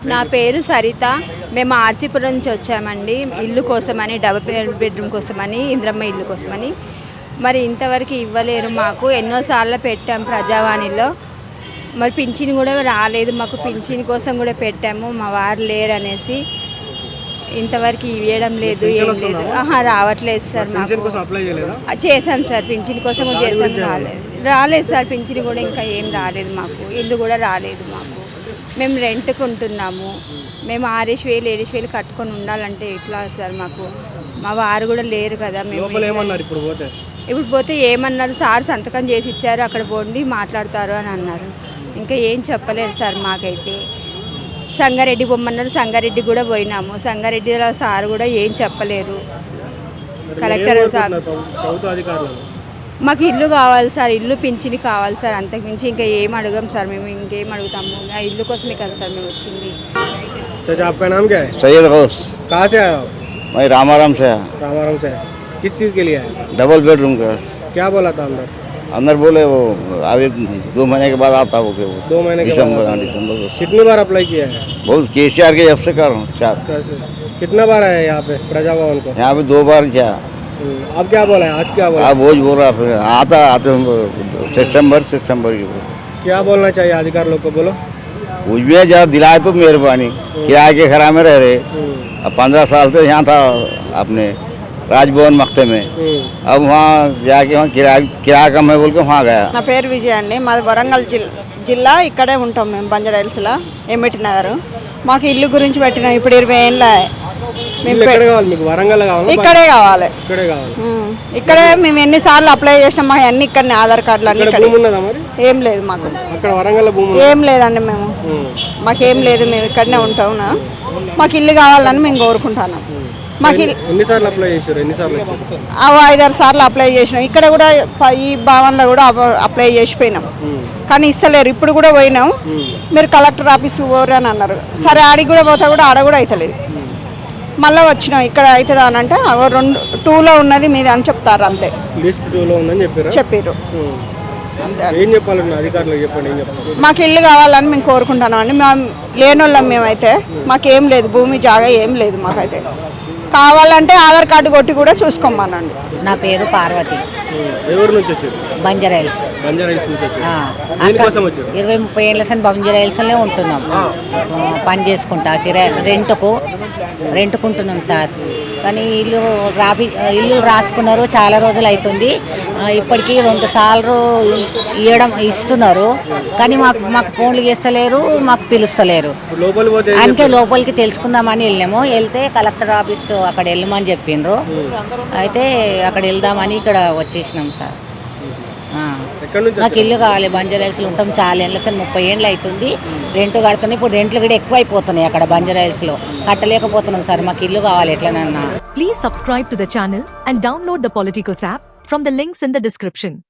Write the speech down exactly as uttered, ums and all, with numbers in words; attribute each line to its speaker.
Speaker 1: నా పేరు సరిత. మేము ఆర్సీపురం నుంచి వచ్చామండి ఇల్లు కోసమని, డబుల్ బెడ్రూమ్ కోసమని, ఇంద్రమ్మ ఇల్లు కోసమని. మరి ఇంతవరకు ఇవ్వలేరు మాకు. ఎన్నోసార్లు పెట్టాం ప్రజావాణిలో, మరి పింఛన్ కూడా రాలేదు మాకు. పింఛన్ కోసం కూడా పెట్టాము, మా వారు లేరు అనేసి ఇంతవరకు ఇవ్వడం లేదు, ఏం లేదు. ఆహా రావట్లేదు సార్. మాకు చేసాం సార్, పింఛన్ కోసం కూడా చేసాం, రాలేదు రాలేదు సార్. పింఛన్ కూడా ఇంకా ఏం రాలేదు మాకు. ఇల్లు కూడా రాలేదు మాకు. మేము రెంట్కి ఉంటున్నాము. మేము ఆరేసి వేలు ఏడేసి వేలు కట్టుకొని ఉండాలంటే ఎట్లా సార్? మాకు మా వారు కూడా లేరు కదా. మేము ఇప్పుడు పోతే ఏమన్నారు సార్, సంతకం చేసి ఇచ్చారు, అక్కడ పోండి మాట్లాడతారు అని అన్నారు. ఇంకా ఏం చెప్పలేరు సార్ మాకైతే. సంగారెడ్డి పొమ్మన్నారు, సంగారెడ్డి కూడా పోయినాము. సంగారెడ్డిలో సార్ కూడా ఏం చెప్పలేరు. కలెక్టర్ సార్ మాకు ఇల్లు కావాలి సార్, ఇల్లు పింఛని కావాలి సార్. అంతకుమించి ఇంకా ఏం అడగం సార్. మేము ఇంకేం అడుగుతాము? ఆ ఇల్లు కోసమే కదా సార్ మేము వచ్చింది.
Speaker 2: चाचा आपका नाम क्या है?
Speaker 3: सैयद गौस।
Speaker 2: कहाँ से आए हो?
Speaker 3: मैं रामाराम से।
Speaker 2: रामाराम से किस चीज़ के लिए आए?
Speaker 3: डबल बेडरूम का।
Speaker 2: क्या बोला था अंदर?
Speaker 3: अंदर बोले वो अभी दो महीने के बाद आता हो के वो
Speaker 2: दो महीने के
Speaker 3: दिसंबर हाँ दिसंबर को।
Speaker 2: कितनी बार अप्लाई किया है?
Speaker 3: बहुत केसीआर के जब से कर रहा हूँ चार।
Speaker 2: कितना बार आया यहाँ पे प्रजा भवन को?
Speaker 3: यहाँ पे दो बार क्या।
Speaker 2: अब क्या बोला है? आज क्या बोला?
Speaker 3: अब वो बोल रहा फिर आता आते सितंबर सितंबर की।
Speaker 2: क्या बोलना चाहिए अधिकार लोग को? बोलो
Speaker 3: कुछ भी है, जब दिलाए तो मेहरबानी। किराए के घर में रह रहे, अब पंद्रह साल से यहाँ था अपने राजभवन मख्ते में। अब वहाँ जाके वहाँ किराया किराया कम है बोल के वहाँ गया।
Speaker 4: నా పేరు విజయ అండి. మాది వరంగల్ జిల్లా జిల్లా ఇక్కడే ఉంటాం మేము, బంజారాహిల్స్లో ఎమ్మిటి నగర్. మాకు ఇల్లు గురించి పెట్టిన ఇప్పుడు ఇరవై ఏళ్ళ ఇక్కడే కావాలి. ఇక్కడే మేము ఎన్నిసార్లు అప్లై చేసినాం. మాకు అన్ని ఇక్కడనే ఆధార్ కార్డులు అన్ని ఇక్కడ. ఏం లేదు మాకు, ఏం లేదండి. మేము మాకేం లేదు, మేము ఇక్కడనే ఉంటాం. మాకు ఇల్లు కావాలని మేము కోరుకుంటున్నాం. మాకు ఐదారు సార్లు అప్లై చేసినాం. ఇక్కడ కూడా ఈ భవన్లో కూడా అప్లై చేసిపోయినాం, కానీ ఇస్తలేరు. ఇప్పుడు కూడా పోయినాం, మీరు కలెక్టర్ ఆఫీస్కి పోరు అని అన్నారు. సరే ఆడికి కూడా పోతా కూడా ఆడ కూడా అవుతలేదు. మళ్ళీ వచ్చినాం, ఇక్కడ అవుతుందా అని అంటే రెండు టూలో ఉన్నది మీది అని చెప్తారు. అంతే చెప్పారు. మాకు ఇల్లు కావాలని మేము కోరుకుంటున్నాం అండి. మేము లేనోళ్ళం మేమైతే. మాకేం లేదు, భూమి జాగా ఏం లేదు మాకైతే. కావాలంటే ఆధార్ కార్డు కొట్టి కూడా చూసుకోమనండి.
Speaker 5: నా పేరు పార్వతి. బంజారాహిల్స్. ఇరవై ముప్పై ఏళ్ళ సని బంజారాహిల్స్లోనే ఉంటున్నాం. పని చేసుకుంటా కిరాయి రెంట్కు రెంట్కుంటున్నాం సార్. కానీ ఇల్లు రాపి ఇల్లు రాసుకున్నారు, చాలా రోజులు అవుతుంది. ఇప్పటికీ రెండు సార్లు ఇవ్వడం ఇస్తున్నారు, కానీ మాకు మాకు ఫోన్లు చేస్తలేరు, మాకు పిలుస్తలేరు. అందుకే లోపలికి తెలుసుకుందామని వెళ్ళాము. వెళ్తే కలెక్టర్ ఆఫీస్ అక్కడ వెళ్ళమని చెప్పిండ్రు. అయితే అక్కడ వెళ్దామని ఇక్కడ వచ్చేసినాం సార్. మాకు ఇల్లు కావాలి. బంజారాహిల్స్లో ఉంటాం చాలా ఏళ్ళ సార్, ముప్పై ఏళ్ళు అవుతుంది. రెంట్ కడుతున్నాయి. ఇప్పుడు రెంట్లు కూడా ఎక్కువ అయిపోతున్నాయి అక్కడ బంజారాహిల్స్లో. కట్టలేకపోతున్నాం సార్. మాకు ఇల్లు కావాలి ఎట్లనన్నా.
Speaker 6: Please subscribe to the channel and download the Politicos app from the links in the description.